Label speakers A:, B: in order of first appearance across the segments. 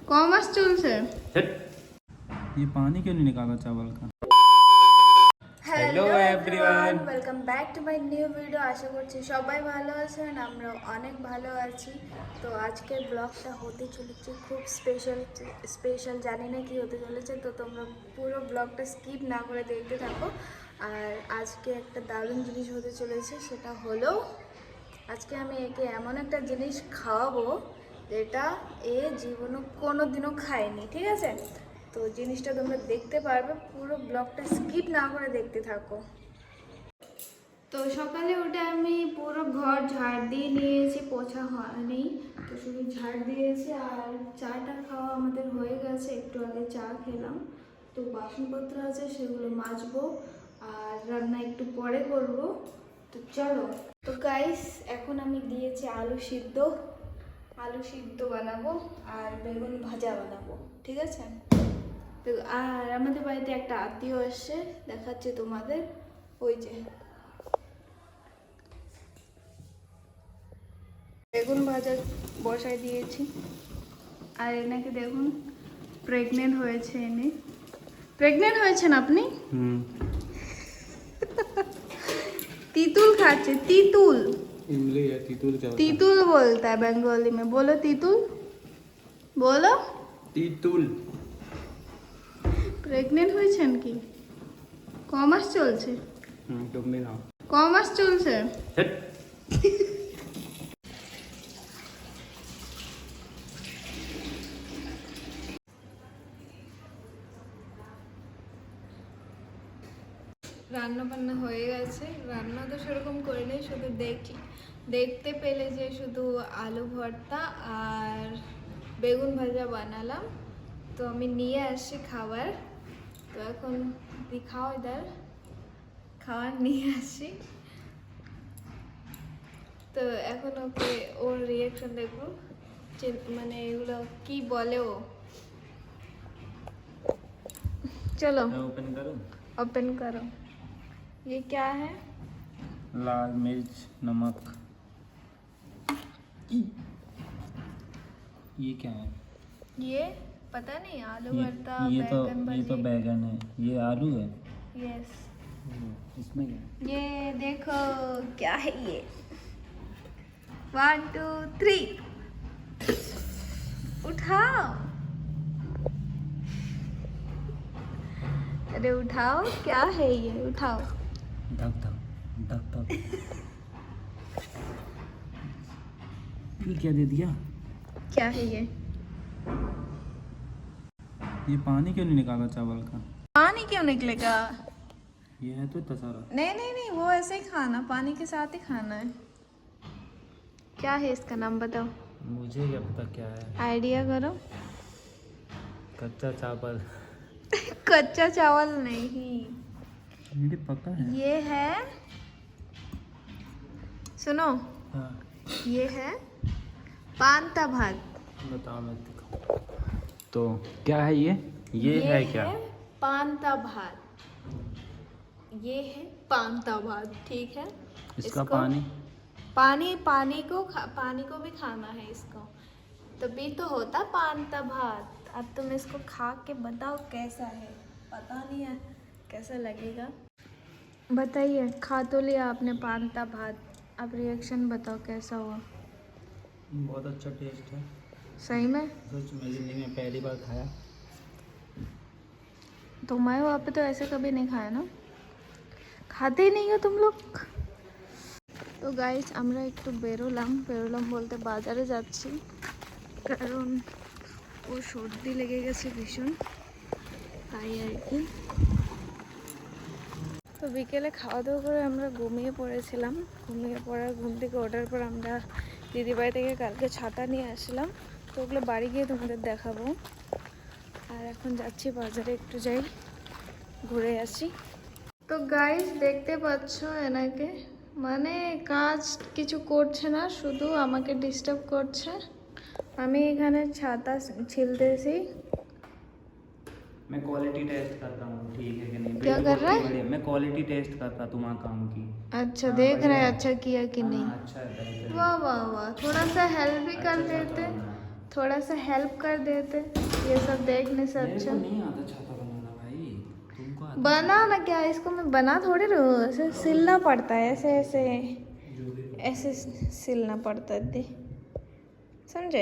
A: Commerce চলছে।
B: ये पानी क्यों नहीं निकाला चावल का?
A: Hello everyone, welcome back to my new video. আশা করছি সবাই ভালো আছেন, আমরাও অনেক ভালো আছি। তো আজকের ব্লগটা হতে চলেছে খুব স্পেশাল। জানি না কি হতে চলেছে, তো তোমরা পুরো ব্লগটা স্কিপ না করে দেখতে থাকো। আর আজকে একটা দারুণ জিনিস হতে চলেছে, সেটা হলো আজকে আমি একে এমন একটা জিনিস খাওয়াবো যেটা এ জীবনে কোনো দিনও খায়নি, ঠিক আছে? তো জিনিসটা তোমরা দেখতে পারবে, পুরো ব্লগটা স্কিপ না করে দেখতে থাকো। তো সকালে উঠে আমি পুরো ঘর ঝাড় দিয়ে নিয়েছি, পোছা হয়নি, তো শুধু ঝাড় দিয়েছি। আর চাটা খাওয়া আমাদের হয়ে গেছে, একটু আগে চা খেলাম। তো বাসনপত্র আছে, সেগুলো মাজবো, আর রান্না একটু পরে করব। তো চলো। তো গাইস, এখন আমি দিয়েছি আলু সিদ্ধ বানাবো আর বেগুন ভাজা বানাবো, ঠিক আছে? তো আর আমাদের বাড়িতে একটা আত্মীয় এসছে, দেখাচ্ছে তোমাদের, ওই যে বেগুন ভাজা বসাই দিয়েছি। আর এনাকে দেখুন, প্রেগনেন্ট হয়েছে। প্রেগনেন্ট হয়েছেন আপনি? तीतुल खाचे, तीतुल
B: इमली है, तीतुल क्या होता है?
A: तीतुल बोलता है बंगाली में। बोलो तीतुल, बोलो
B: तीतुल।
A: প্রেগনেন্ট হয়েছেন কি? কমার্স চলছে?
B: তুমি না
A: কমার্স চলছে। রান্না বান্না হয়ে গেছে। রান্না তো সেরকম করে নেই, শুধু দেখতে পেলে যে শুধু আলু ভর্তা আর বেগুন ভাজা বানালাম। তো আমি নিয়ে আসছি খাবার, তো এখন দিখাও ইধার, খাবার নিয়ে আসি। তো এখন ওকে ওর রিয়াকশন দেখবো, মানে এগুলো কি বলে ও। চলো ओपन करो। ये क्या है?
B: लाल मिर्च, नमक। ये क्या है?
A: ये पता नहीं, आलू भरता,
B: ये
A: बैगन
B: तो बैगन है। ये आलू है।
A: यस।
B: इसमें क्या है?
A: ये देखो क्या है ये। 1 2 3 उठाओ। अरे उठाओ, क्या है ये, उठाओ।
B: धक धक धक धक। ये क्या दे दिया?
A: क्या है ये?
B: ये पानी क्यों नहीं निकाला चावल का?
A: पानी क्यों निकलेगा?
B: ये है तो इतना सारा।
A: नहीं, वो ऐसे ही खाना, पानी के साथ ही खाना है। क्या है इसका नाम बताओ।
B: मुझे क्या पता क्या है।
A: आइडिया करो।
B: कच्चा चावल।
A: कच्चा चावल नहीं,
B: ये पका है।
A: ये है, सुनो,
B: हाँ।
A: ये है पांता भात।
B: बताओ, मैं दिखाऊं। तो क्या है ये है क्या?
A: पांता भात, ये है पांता भात, ठीक है?
B: इसका
A: पानी को भी खाना है इसको, तभी तो होता पांता भात। अब तुम इसको खा के बताओ कैसा है, पता नहीं है कैसा लगेगा। बताइए, खा तो लिया आपने पांता भात, अब रिएक्शन बताओ कैसा हुआ।
B: बहुत अच्छा टेस्ट है,
A: सही में?
B: सच में जिंदगी में पहली बार खाया।
A: तो मैं वहाँ पे तो ऐसे कभी नहीं खाया ना, खाते ही नहीं हो तुम लोग। তো গাইস, আমরা একটু বেরোলাম বলতে বাজারে যাচ্ছি, কারণ ও সর্দি লেগে গেছে ভীষণ, তাই আর কি। তো বিকেলে খাওয়া দাওয়া করে আমরা ঘুমিয়ে পড়েছিলাম। ঘুম থেকে ওঠার পর আমরা দিদিবাড়ি থেকে কালকে ছাতা নিয়ে আসলাম, তো ওগুলো বাড়ি গিয়ে তোমাদের দেখাবো। আর এখন যাচ্ছি বাজারে, একটু যাই ঘুরে আসি। তো গাইস, দেখতে পাচ্ছ এনাকে, মানে কাজ কিছু করছে না, শুধু আমাকে ডিস্টার্ব করছে। আমি এখানে ছাতা ছিলতেছি।
B: मैं क्वालिटी टेस्ट करता हूँ, ठीक है कि नहीं?
A: क्या कर रहा है?
B: मैं क्वालिटी टेस्ट करता तुम्हारा काम की।
A: अच्छा, देख रहे हैं अच्छा किया कि नहीं।
B: अच्छा है,
A: वाह वाह वाह, थोड़ा सा हेल्प भी कर देते। थोड़ा सा हेल्प कर देते, ये सब देखने से
B: मेरे
A: अच्छा।
B: को नहीं आता छाता बनाना भाई, तुमको आता
A: बना ना क्या, इसको मैं बना थोड़े रहा हूँ, ऐसे सिलना पड़ता है, ऐसे ऐसे
B: जो भी।
A: ऐसे सिलना पड़ता है दी, समझे?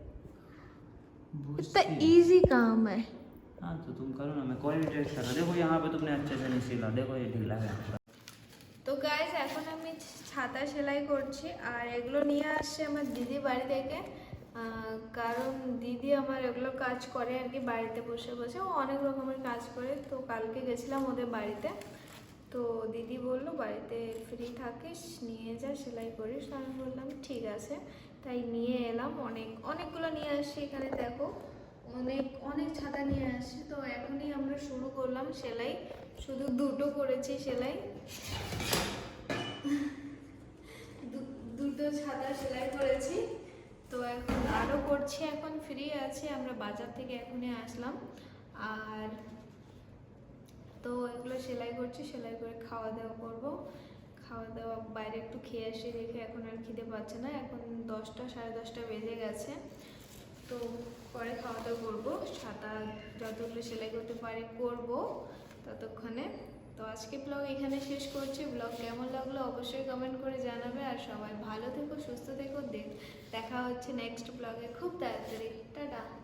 A: इतना
B: बुझती।
A: इजी काम है।
B: हाँ तो तुम करो ना, मैं क्वालिटी टेस्ट कर रहा। देखो यहाँ पे तुमने अच्छे से नहीं सिला, देखो ये ढीला है पूरा।
A: তো গাইস এখন আমি ছাতা সেলাই করছি, আর এগুলো নিয়ে আসছে আমার দিদি বাড়ি থেকে, কারণ দিদি আমার এগুলো কাজ করে আর কি, বাড়িতে বসে বসে ও অনেক রকমের কাজ করে। তো কালকে গেছিলাম ওদের বাড়িতে, তো দিদি বললো বাড়িতে ফ্রি থাকিস নিয়ে যা সেলাই করিস, তো আমি বললাম ঠিক আছে, তাই নিয়ে এলাম। অনেকগুলো নিয়ে আসছি, এখানে দেখো অনেক অনেক ছাতা নিয়ে আসছি। তো এখনই আমরা শুরু করলাম সেলাই, শুধু দুটো করেছি সেলাই, দুটো ছাতা সেলাই করেছি। তো এখন আরও করছি, এখন ফ্রি আছি, আমরা বাজার থেকে এখনই আসলাম। আর তো এগুলো সেলাই করছি, সেলাই করে খাওয়া দাওয়া করবো। খাওয়া দাওয়া বাইরে একটু খেয়ে আসি, দেখে এখন আর খিদে পাচ্ছে না, এখন 10টা 10:30 বেজে গেছে। তো পরে খাওয়া দাওয়া করবো, ছাতা যতগুলো সেলাই করতে পারি করবো ততক্ষণে। তো আজকে ব্লগ এখানে শেষ করছি। ব্লগ কেমন লাগলো অবশ্যই কমেন্ট করে জানাবে, আর সবাই ভালো থেকো, সুস্থ থেকো। দেখা হচ্ছে নেক্সট ব্লগে খুব তাড়াতাড়ি। টাটা।